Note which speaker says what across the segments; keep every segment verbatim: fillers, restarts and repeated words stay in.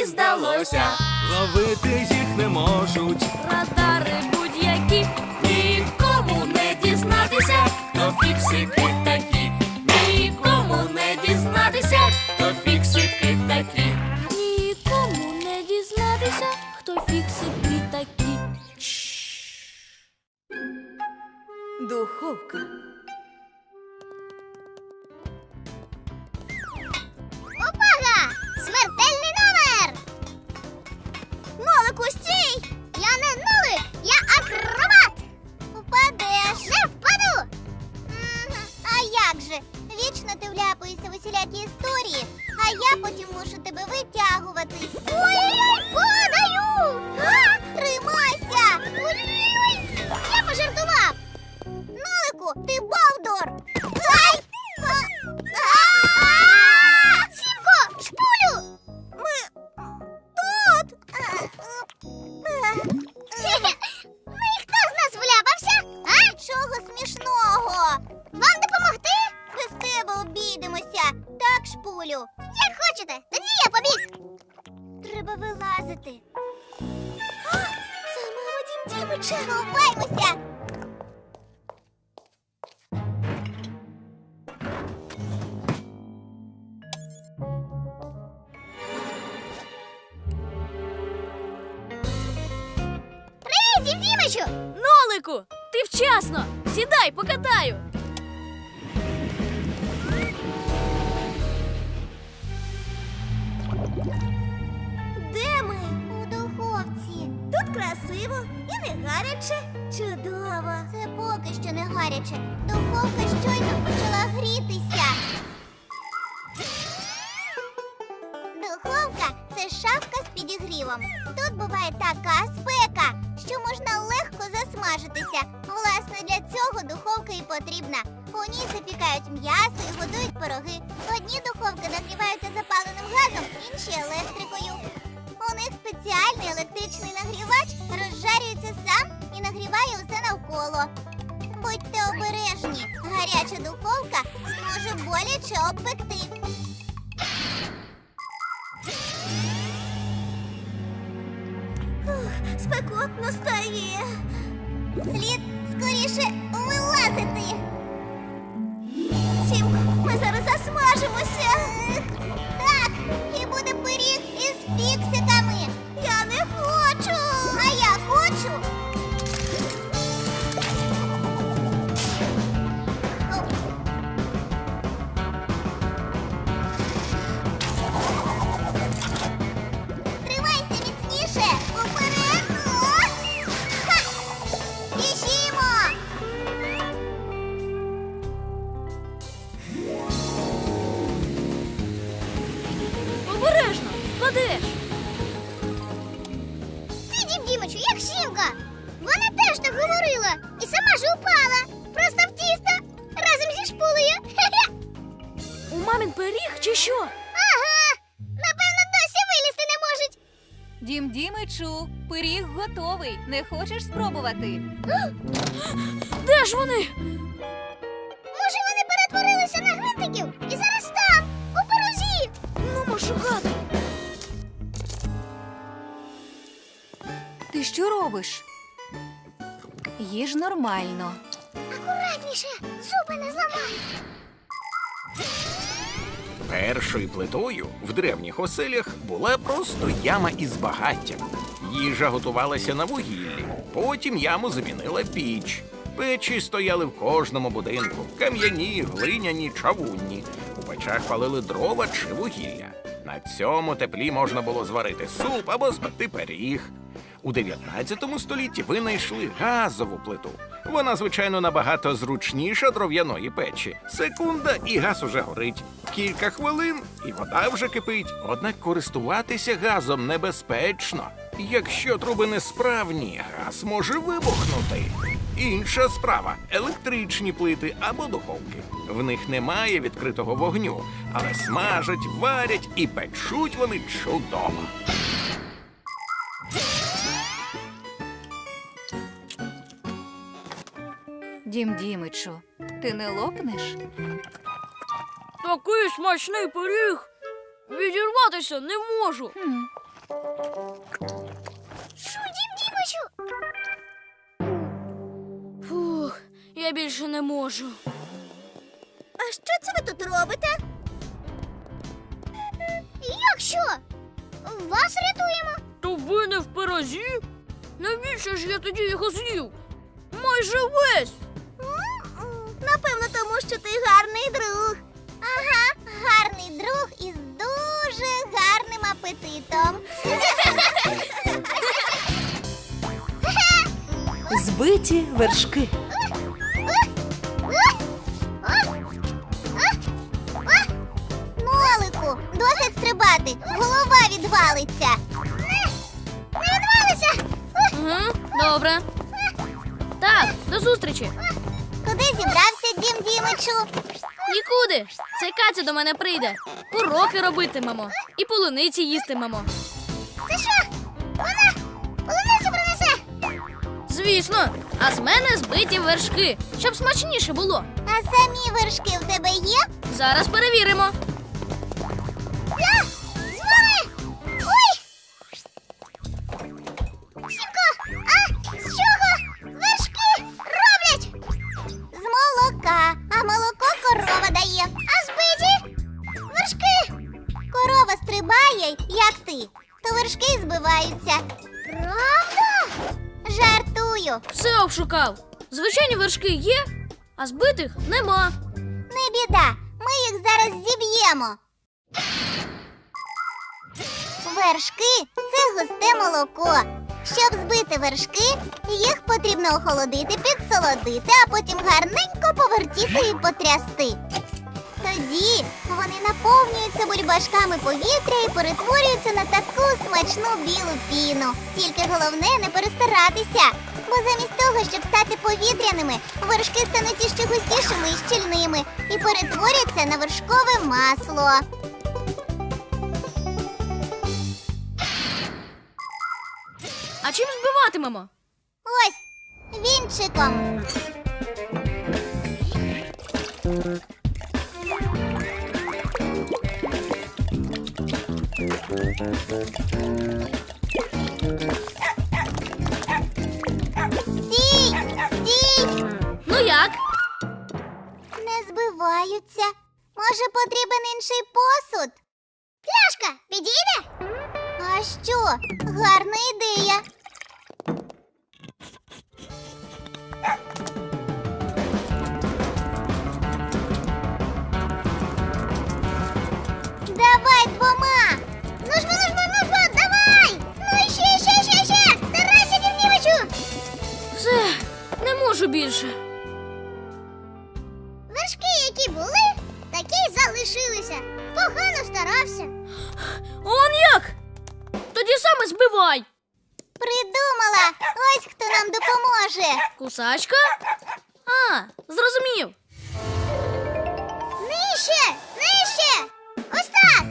Speaker 1: здалося.
Speaker 2: Ловити їх не можуть.
Speaker 1: Радари будь-які, нікому не дізнатися, хто фіксики такі. Нікому не дізнатися, хто фіксики такі. Нікому не дізнатися, хто фіксики такі.
Speaker 3: Духовка.
Speaker 4: Увага! Смертельний номер! Нолику, стій! Я не нолик, я акробат! Впадеш! Не впаду! Мгм, а як же? Вічно ти вляпаєшся в усілякі історії, а я потім мушу тебе витягувати. Ой-ой-ой, падаю! А, тримайся! Ой-ой-ой! Я пожартував! Нолику, ти бовдур! Ай! А! А! Сімко, шпулю! Ми тут! Ну і хто з нас вляпався? А? Чого смішного? Вам допомогти? Без тебе обійдемося. Так, шпулю. Як хочете, тоді я побіг. Треба вилазити. А, це мама Дім Дімича. Ховаймося. Привіт, Дім Дімичу!
Speaker 1: Нолику, ти вчасно! Сідай, покатаю!
Speaker 4: Де ми? У духовці. Тут красиво і не гаряче. Чудово. Це поки що не гаряче. Духовка щойно почала грітися. Духовка – це шафка з підігрівом. Тут буває така спека, що можна легко засмажитися. Власне, для цього духовка і потрібна. У ній запікають м'ясо і готують пироги. Одні духовки нагріваються запаленим газом, інші – електрикою. У них спеціальний електричний нагрівач розжарюється сам і нагріває усе навколо. Будьте обережні, гаряча духовка може боляче обпекти. Ух, спекотно стає. Слід скоріше вилазити. Сімко, ми зараз засмажимося. Так, і буде пиріг із фіксиками. Я не хочу. А я хочу. Оп. Тримайся міцніше. Уперед. О! Ха! Біжімо.
Speaker 1: Обережно, впадеш!
Speaker 4: Ти, Дім Дімичу, як Сімка. Вона теж так говорила. І сама ж упала. Просто в тісто. Разом зі шпулею. Хе-хе.
Speaker 1: У мамін пиріг чи що?
Speaker 4: Ага. Напевно, досі вилізти не можуть.
Speaker 3: Дім Дімичу, пиріг готовий. Не хочеш спробувати?
Speaker 1: Де ж вони?
Speaker 4: Може, вони перетворилися на гвинтиків і зараз там, у пирозі.
Speaker 1: Ну, шукати.
Speaker 3: Ти що робиш? Їж нормально.
Speaker 4: Акуратніше, зуби не зламай.
Speaker 5: Першою плитою в древніх оселях була просто яма із багаттям. Їжа готувалася на вугіллі. Потім яму замінила піч. Печі стояли в кожному будинку. Кам'яні, глиняні, чавунні. У печах палили дрова чи вугілля. На цьому теплі можна було зварити суп або спекти пиріг. У дев'ятнадцятому столітті винайшли газову плиту. Вона, звичайно, набагато зручніша дров'яної печі. Секунда, і газ уже горить. Кілька хвилин, і вода вже кипить. Однак користуватися газом небезпечно. Якщо труби несправні, газ може вибухнути. Інша справа – електричні плити або духовки. В них немає відкритого вогню, але смажать, варять і печуть вони чудово.
Speaker 3: Дім Дімичу, ти не лопнеш?
Speaker 1: Такий смачний пиріг. Відірватися не можу.
Speaker 3: Хм.
Speaker 4: Шу, Дім Дімичу!
Speaker 1: Фух, я більше не можу.
Speaker 4: А що це ви тут робите? Як що? Вас рятуємо.
Speaker 1: То ви не в пирозі? Навіщо ж я тоді його з'їв? Майже весь.
Speaker 4: Напевно, тому що ти гарний друг. Ага, гарний друг із дуже гарним апетитом.
Speaker 6: Збиті вершки.
Speaker 4: Нолику, досить стрибати, голова відвалиться. Не, не відвалиться.
Speaker 1: Угу, добре. Так, до зустрічі.
Speaker 4: Куди зібрався, Дім Дімичу?
Speaker 1: Нікуди. Це Катя до мене прийде. Уроки робитимемо. І полуниці їстимемо.
Speaker 4: Це що? Вона полуницю принесе?
Speaker 1: Звісно. А з мене збиті вершки, щоб смачніше було.
Speaker 4: А самі вершки в тебе є?
Speaker 1: Зараз перевіримо.
Speaker 4: Я з вами! Ой! Сімко, а з чого вершки роблять? З молока, а молоко корова дає. А збиті вершки. Корова стрибає, як ти, то вершки збиваються. Правда? Жартую.
Speaker 1: Все обшукав. Звичайні вершки є, а збитих нема.
Speaker 4: Не біда, ми їх зараз зіб'ємо. Вершки – це густе молоко. Щоб збити вершки, їх потрібно охолодити, підсолодити, а потім гарненько повертіти і потрясти. Тоді вони наповнюються бульбашками повітря і перетворюються на таку смачну білу піну. Тільки головне не перестаратися, бо замість того, щоб стати повітряними, вершки стануть іще густішими і щільними і перетворяться на вершкове масло.
Speaker 1: А чим збиватимемо?
Speaker 4: Ось, вінчиком. Стій! Стій!
Speaker 1: Ну як?
Speaker 4: Не збиваються. Може, потрібен інший посуд? Пляшка, підійде? А що? Гарна ідея. Давай двома. Ну ж, ну ж, ну ж, давай! Ну і ще, ще, ще, ще! Старайся, Дівнівичу!
Speaker 1: Все, не можу більше.
Speaker 4: Вершки, які були, такі й залишилися. Погано старався.
Speaker 1: Он як? Тоді саме збивай.
Speaker 4: Придумала! Ось хто нам допоможе.
Speaker 1: Кусачка? А, зрозумів.
Speaker 4: Нижче! Нижче! Ось так!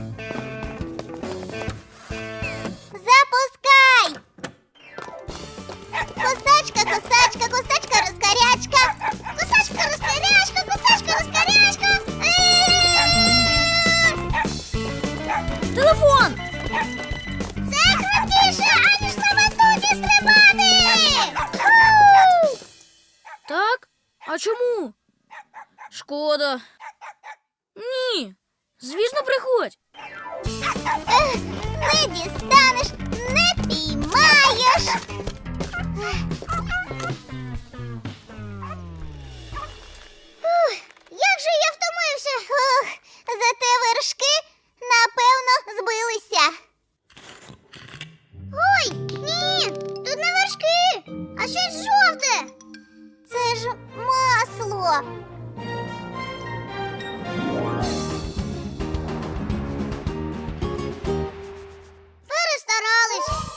Speaker 4: Запускай! Косачка, косачка, косачка, розкарячка! Косачка, розкарячка, косачка, розкарячка! Е-е-е!
Speaker 1: Телефон!
Speaker 4: Це крутіше, аніж на батуті стрибати! Ху!
Speaker 1: Так? А чому? Шкода. Ні. Звісно, приходь.
Speaker 4: Ех, не дістанеш, не піймаєш. Ух, як же я втомився. Ух, зате вершки, напевно, збилися. Ой, ні, тут не вершки, а щось жовте. Це ж масло. Перестарались.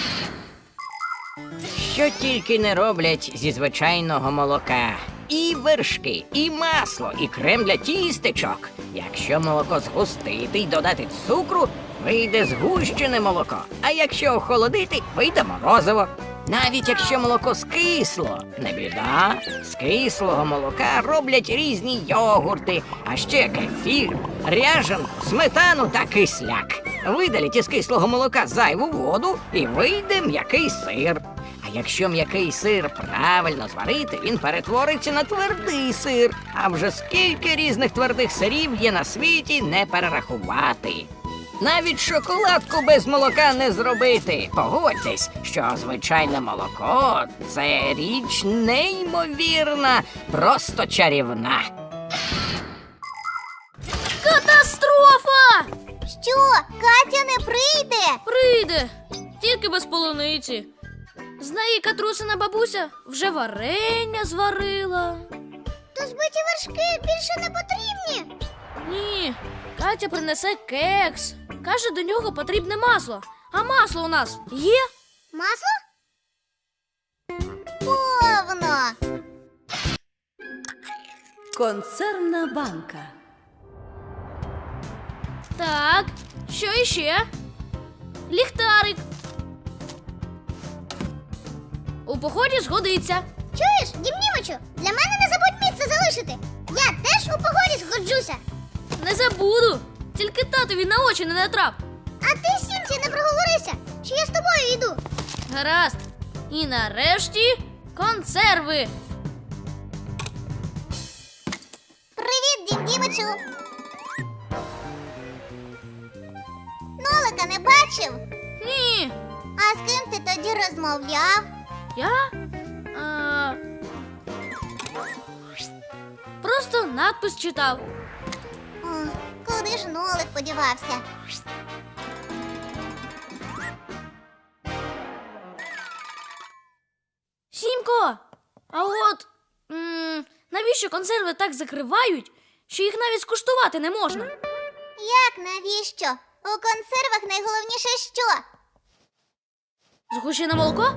Speaker 7: Що тільки не роблять зі звичайного молока. І вершки, і масло, і крем для тістечок. Якщо молоко згустити й додати цукру, вийде згущене молоко. А якщо охолодити, вийде морозиво. Навіть якщо молоко скисло, не біда. З кислого молока роблять різні йогурти, а ще кефір, ряжанку, сметану та кисляк. Видаліть із кислого молока зайву воду і вийде м'який сир. А якщо м'який сир правильно зварити, він перетвориться на твердий сир. А вже скільки різних твердих сирів є на світі, не перерахувати. Навіть шоколадку без молока не зробити. Погодьтесь, що звичайне молоко – це річ неймовірна, просто чарівна.
Speaker 1: Катастрофа!
Speaker 4: Що, Катя не прийде?
Speaker 1: Прийде, тільки без полуниці. З неї Катрусина бабуся вже варення зварила.
Speaker 4: То збиті вершки більше не потрібні.
Speaker 1: Ні, Катя принесе кекс. Каже, до нього потрібне масло. А масло у нас є?
Speaker 4: Масло? Повно.
Speaker 6: Консервна банка.
Speaker 1: Так, що іще? Ліхтарик. У поході згодиться.
Speaker 4: Чуєш, Дімнімичу, для мене не забудь місце залишити. Я теж у погоді згоджуся.
Speaker 1: Не забуду. Тільки татові на очі не натрап.
Speaker 4: А ти, Сімці, не проговорися, чи я з тобою йду.
Speaker 1: Гаразд. І нарешті консерви.
Speaker 4: Привіт, Дімнімичу. Нолика не бачив?
Speaker 1: Ні.
Speaker 4: А з ким ти тоді розмовляв?
Speaker 1: Я? А... Просто надпис читав.
Speaker 4: О, куди ж Нолик подівався?
Speaker 1: Сімко, а от м- навіщо консерви так закривають, що їх навіть скуштувати не можна?
Speaker 4: Як навіщо? У консервах найголовніше що?
Speaker 1: Згущене молоко?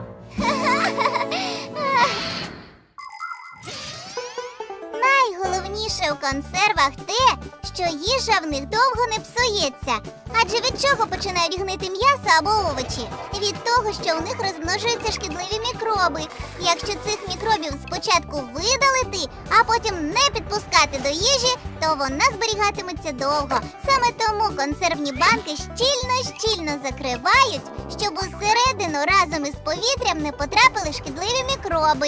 Speaker 4: Найголовніше у консервах те, що їжа в них довго не псується. Адже від чого починають гнити м'ясо або овочі? Від того, що у них розмножуються шкідливі мікроби. Якщо цих мікробів спочатку видалити, а потім не підпускати до їжі, то вона зберігатиметься довго. Саме тому консервні банки щільно-щільно закривають, щоб усередину разом із повітрям не потрапили шкідливі мікроби.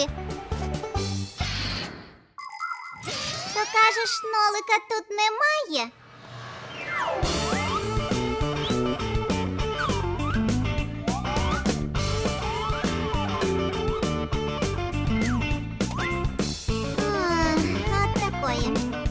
Speaker 4: То кажеш, Нолика тут немає? Ах, от такої.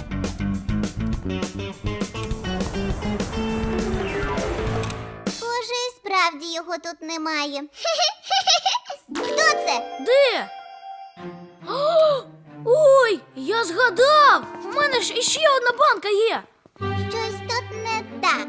Speaker 4: Схоже, і справді його тут немає. Хто це?
Speaker 1: Де? О, ой, я згадав! У мене ж іще одна банка є.
Speaker 4: Щось тут не так.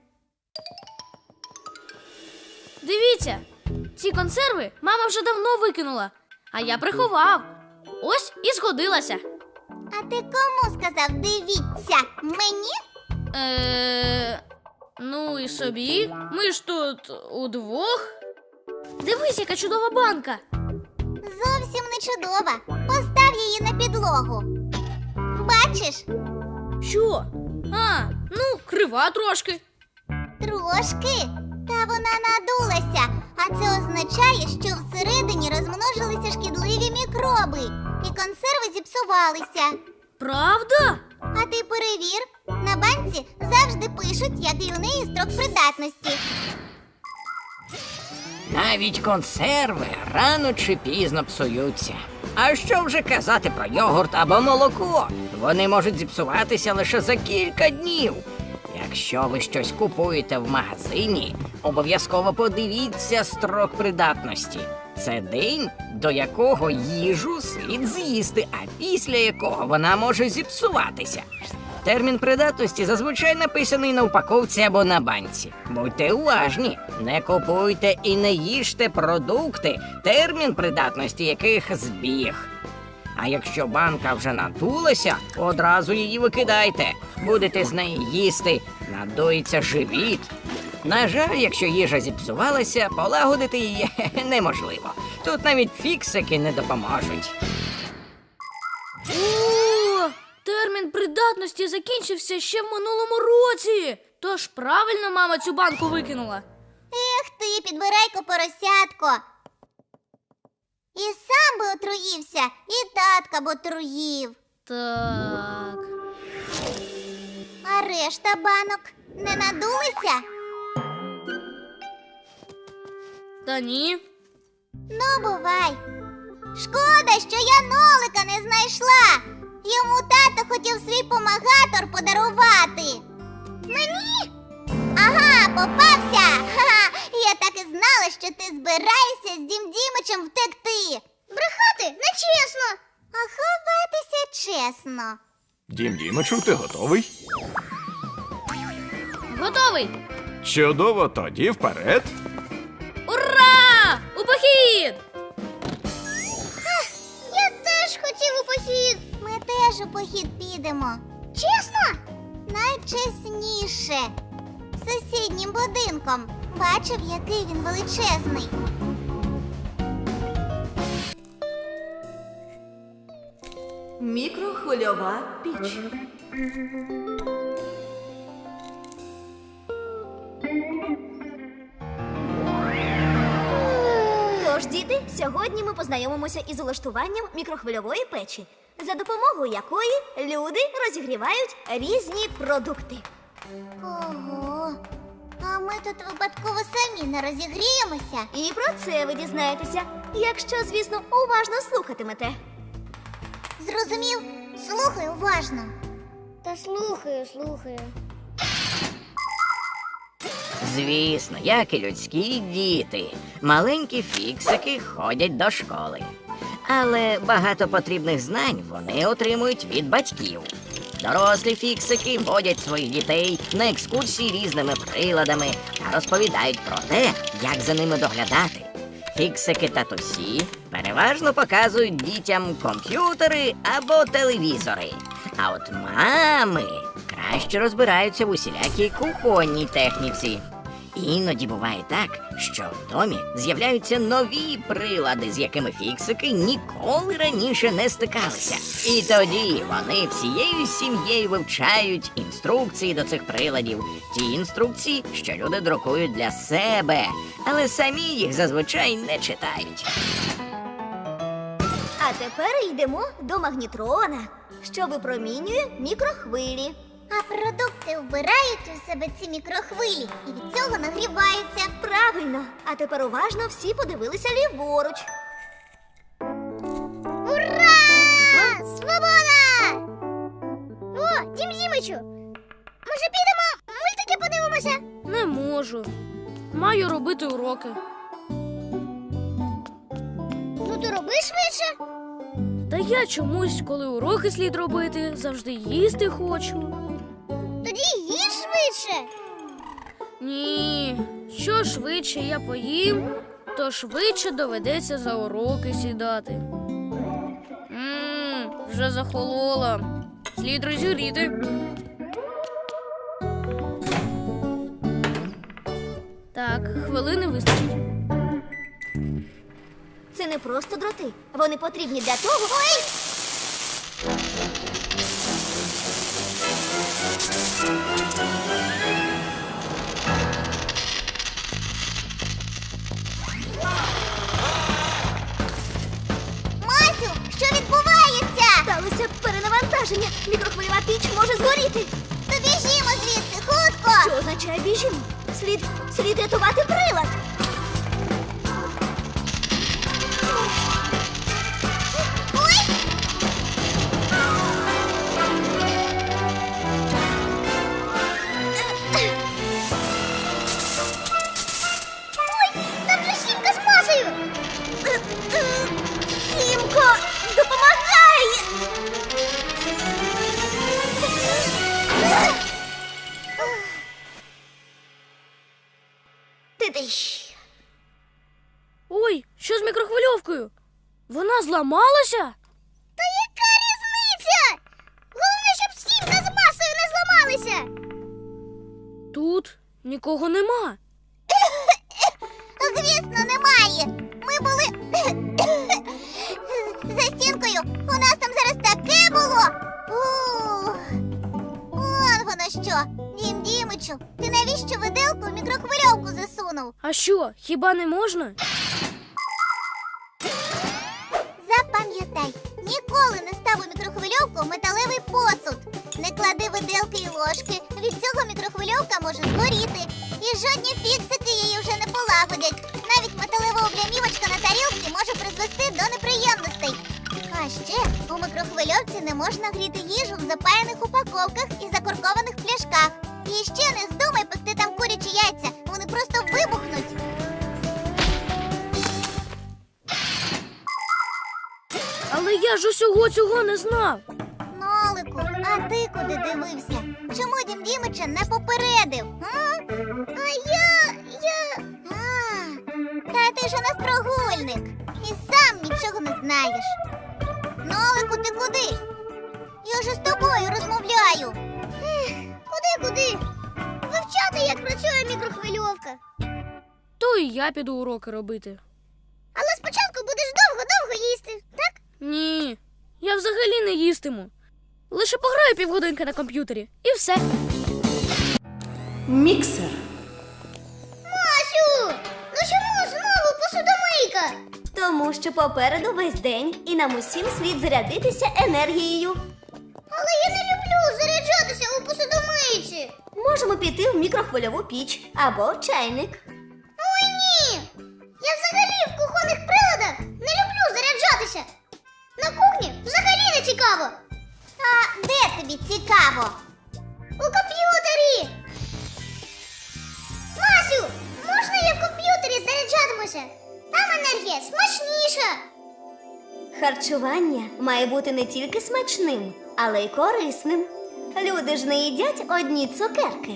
Speaker 1: Дивіться, ці консерви мама вже давно викинула, а я приховав. Ось і згодилася.
Speaker 4: А ти кому сказав дивіться? Мені?
Speaker 1: Е, ну і собі. Ми ж тут удвох. Дивись, яка чудова банка.
Speaker 4: Зовсім не чудова. Постав її на підлогу. Бачиш?
Speaker 1: Що? А, ну, крива трошки.
Speaker 4: Трошки. Та вона надулася. А це означає, що всередині розмножилися шкідливі мікроби. І консерви зіпсувалися.
Speaker 1: Правда?
Speaker 4: А ти перевір. На банці завжди пишуть, який у неї строк придатності.
Speaker 7: Навіть консерви рано чи пізно псуються. А що вже казати про йогурт або молоко? Вони можуть зіпсуватися лише за кілька днів. Якщо ви щось купуєте в магазині, обов'язково подивіться строк придатності. Це день, до якого їжу слід з'їсти, а після якого вона може зіпсуватися. Термін придатності зазвичай написаний на упаковці або на банці. Будьте уважні, не купуйте і не їжте продукти, термін придатності яких збіг. А якщо банка вже надулася, одразу її викидайте. Будете з неї їсти, надується живіт. На жаль, якщо їжа зіпсувалася, полагодити її неможливо. Тут навіть фіксики не допоможуть.
Speaker 1: О, термін термін придатності закінчився ще в минулому році. Тож правильно мама цю банку викинула.
Speaker 4: Ех ти, підбирайко поросятко. І сам би отруївся, і татка б отруїв.
Speaker 1: Так.
Speaker 4: А решта банок не надулися?
Speaker 1: Та ні.
Speaker 4: Ну, бувай. Шкода, що я нолика не знайшла. Йому тато хотів свій помагатор подарувати. Мені? Ага, попався. Ха-ха. Я так і знала, що ти збираєшся з Дім Дімичем втекти. Брехати нечесно. А ховатися чесно.
Speaker 5: Дім Дімичу, ти готовий?
Speaker 1: Готовий.
Speaker 5: Чудово, тоді вперед.
Speaker 1: Ура! У похід!
Speaker 4: Я теж хотів у похід. Ми теж у похід підемо. Чесно? Найчесніше. Сусіднім будинком. Бачив, який він величезний.
Speaker 6: Мікрохвильова піч.
Speaker 8: Тож, діти, сьогодні ми познайомимося із улаштуванням мікрохвильової печі, за допомогою якої люди розігрівають різні продукти.
Speaker 4: Ого. А ми тут випадково самі не розігріємося.
Speaker 8: І про це ви дізнаєтеся, якщо, звісно, уважно слухатимете.
Speaker 4: Зрозумів? Слухай уважно. Та слухаю, слухаю.
Speaker 7: Звісно, як і людські діти, маленькі фіксики ходять до школи. Але багато потрібних знань вони отримують від батьків. Дорослі фіксики водять своїх дітей на екскурсії різними приладами та розповідають про те, як за ними доглядати. Фіксики-татусі переважно показують дітям комп'ютери або телевізори. А от мами краще розбираються в усілякій кухонній техніці. Іноді буває так, що в домі з'являються нові прилади, з якими фіксики ніколи раніше не стикалися. І тоді вони всією сім'єю вивчають інструкції до цих приладів. Ті інструкції, що люди друкують для себе, але самі їх зазвичай не читають.
Speaker 8: А тепер йдемо до магнітрона, що випромінює мікрохвилі.
Speaker 4: А продукти вбирають у себе ці мікрохвилі і від цього нагріваються.
Speaker 8: Правильно. А тепер уважно всі подивилися ліворуч.
Speaker 4: Ура! Свобода! О, Дім Дімичу! Може підемо мультики подивимося?
Speaker 1: Не можу. Маю робити уроки.
Speaker 4: Ну то роби швидше.
Speaker 1: Та я чомусь, коли уроки слід робити, завжди їсти хочу.
Speaker 4: Тоді їж швидше.
Speaker 1: Ні, що швидше я поїм, то швидше доведеться за уроки сідати. Ммм, вже захолола. Слід розігріти. Так, хвилини вистачить.
Speaker 8: Це не просто дроти. Вони потрібні для того. Ой!
Speaker 4: Масю, що відбувається?
Speaker 8: Сталося перенавантаження. Мікрохвильова піч може згоріти.
Speaker 4: То біжімо звідси, хутко!
Speaker 8: Що означає біжімо? Слід, слід рятувати прилад.
Speaker 4: Ой! Ой, там же Сімка з Масею!
Speaker 8: Сімко, допомагай! Ти-диш.
Speaker 1: Ой, що з мікрохвильовкою? Вона зламалася?
Speaker 4: Та яка різниця? Головне, щоб Сімка з Масею не зламалися!
Speaker 1: Тут нікого нема.
Speaker 4: Звісно, немає. Ми були за стінкою. У нас там зараз таке було. Ух.
Speaker 1: А що, хіба не можна?
Speaker 4: Запам'ятай, ніколи не став у мікрохвильовку металевий посуд. Не клади виделки і ложки, від цього мікрохвильовка може згоріти. І жодні фіксики її вже не полагодять. Навіть металева облямівочка на тарілці може призвести до неприємностей. А ще у мікрохвильовці не можна гріти їжу в запаяних упаковках і закоркованих пляшках. І ще не здумай пекти там курячі яйця, вони просто вибухнуть.
Speaker 1: Але я ж усього цього не знав.
Speaker 4: Нолику, а ти куди дивився? Чому дім Дімича не попередив? А, а я. я. А, та ти ж у нас прогульник. І сам нічого не знаєш. Нолику, ти куди? Я ж з тобою розмовляю. Ех, куди, куди? Вивчати, як працює мікрохвильовка.
Speaker 1: То і я піду уроки робити.
Speaker 4: Але спочатку будеш довго-довго їсти, так?
Speaker 1: Ні, я взагалі не їстиму. Лише пограю півгодинки на комп'ютері і все.
Speaker 6: Міксер.
Speaker 4: Масю, ну чому знову посудомийка?
Speaker 8: Тому що попереду весь день і нам усім слід зарядитися енергією.
Speaker 4: Але я не люблю заряджатися у посудомийці.
Speaker 8: Можемо піти в мікрохвильову піч або чайник.
Speaker 4: Ой, ні! Я взагалі в кухонних приладах не люблю заряджатися. На кухні взагалі не цікаво. А де тобі цікаво? У комп'ютері. Масю, можна я в комп'ютері заряджатимуся? Там енергія смачніша.
Speaker 8: Харчування має бути не тільки смачним, але й корисним. Люди ж не їдять одні цукерки.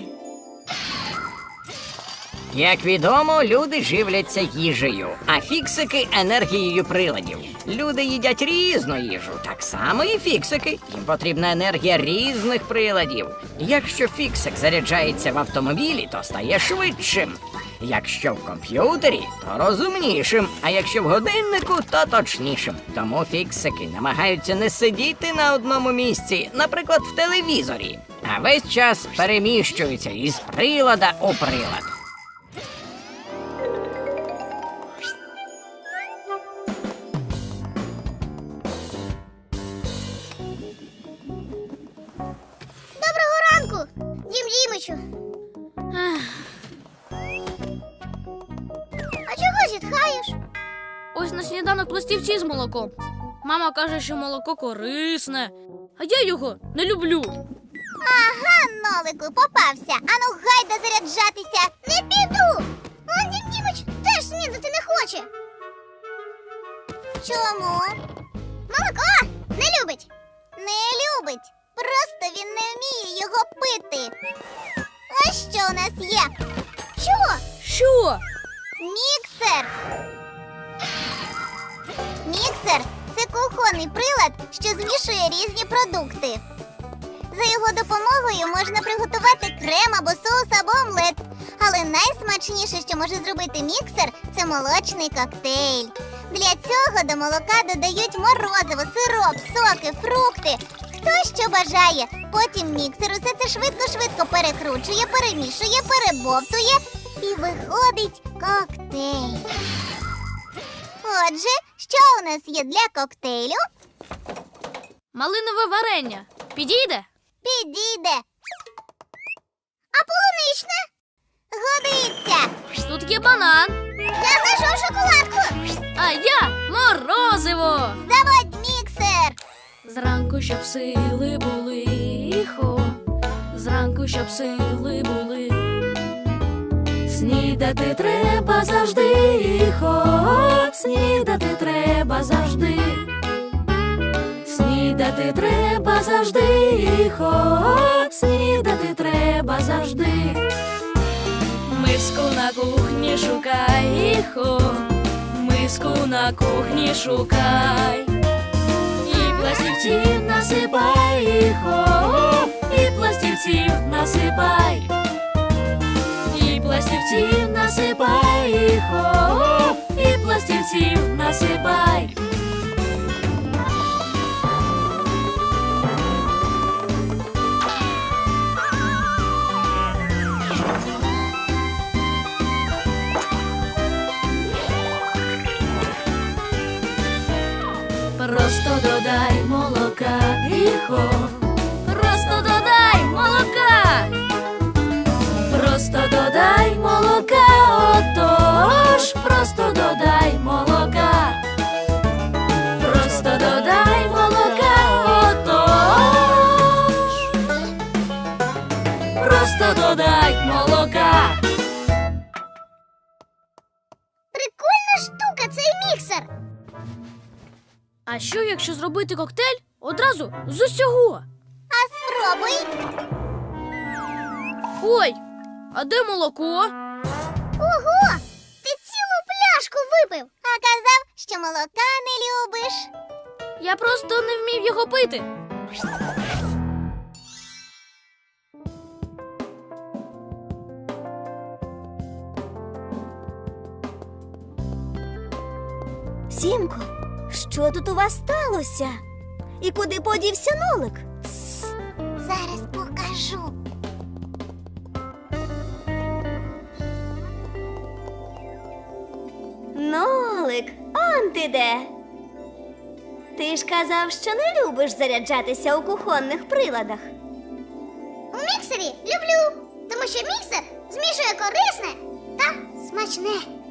Speaker 7: Як відомо, люди живляться їжею, а фіксики енергією приладів. Люди їдять різну їжу, так само і фіксики. Їм потрібна енергія різних приладів. Якщо фіксик заряджається в автомобілі, то стає швидшим. Якщо в комп'ютері, то розумнішим, а якщо в годиннику, то точнішим. Тому фіксики намагаються не сидіти на одному місці, наприклад, в телевізорі, а весь час переміщуються із прилада у прилад.
Speaker 4: Доброго ранку, Дім Дімичу. А чого зітхаєш?
Speaker 1: Ось на сніданок пластівці з молоком. Мама каже, що молоко корисне, а я його не люблю.
Speaker 4: Ага, Нолику, попався. Ану, гайда заряджатися. Не піду. Он Дім Дімич теж снідати не хоче. Чому? Молоко не любить. Не любить. Просто він не вміє його пити. А що у нас є? Що?
Speaker 1: Що?
Speaker 4: Міксер. Міксер – це кухонний прилад, що змішує різні продукти. За його допомогою можна приготувати крем або соус або омлет. Але найсмачніше, що може зробити міксер – це молочний коктейль. Для цього до молока додають морозиво, сироп, соки, фрукти. Хто що бажає. Потім міксер усе це швидко-швидко перекручує, перемішує, перебовтує і виходить коктейль. Отже, що у нас є для коктейлю?
Speaker 1: Малинове варення. Підійде?
Speaker 4: Підійде. А полуничне? Годиться.
Speaker 1: Тут є банан,
Speaker 4: Я знайшов шоколадку.
Speaker 1: а я морозиво.
Speaker 4: Заводь міксер.
Speaker 1: Зранку, щоб сили були, хо, зранку, щоб сили були. Снідати треба завжди, хо, снідати треба завжди. Снідати треба завжди, хо, снідати треба завжди. Миску на кухні шукай, хо, миску на кухні шукай. І пластівців насипай, хо, і пластівців насипай. І пластівців насипай, хо, і пластівців насипай.
Speaker 6: додай молока, іхо,
Speaker 1: Просто додай молока.
Speaker 6: просто додай молока, отож, просто додай молока. Просто додай молока, отож. Просто додай молока.
Speaker 4: Прикольна штука цей міксер.
Speaker 1: А що, якщо зробити коктейль одразу з усього?
Speaker 4: А спробуй.
Speaker 1: Ой, а де молоко?
Speaker 4: Ого! Ти цілу пляшку випив, а казав, що молока не любиш.
Speaker 1: Я просто не вмів його пити.
Speaker 8: Сімко, що тут у вас сталося? І куди подівся нолик?
Speaker 4: Зараз покажу.
Speaker 8: Нолик, он ти де? Ти ж казав, що не любиш заряджатися у кухонних приладах.
Speaker 4: У міксері люблю, тому що міксер змішує корисне та смачне.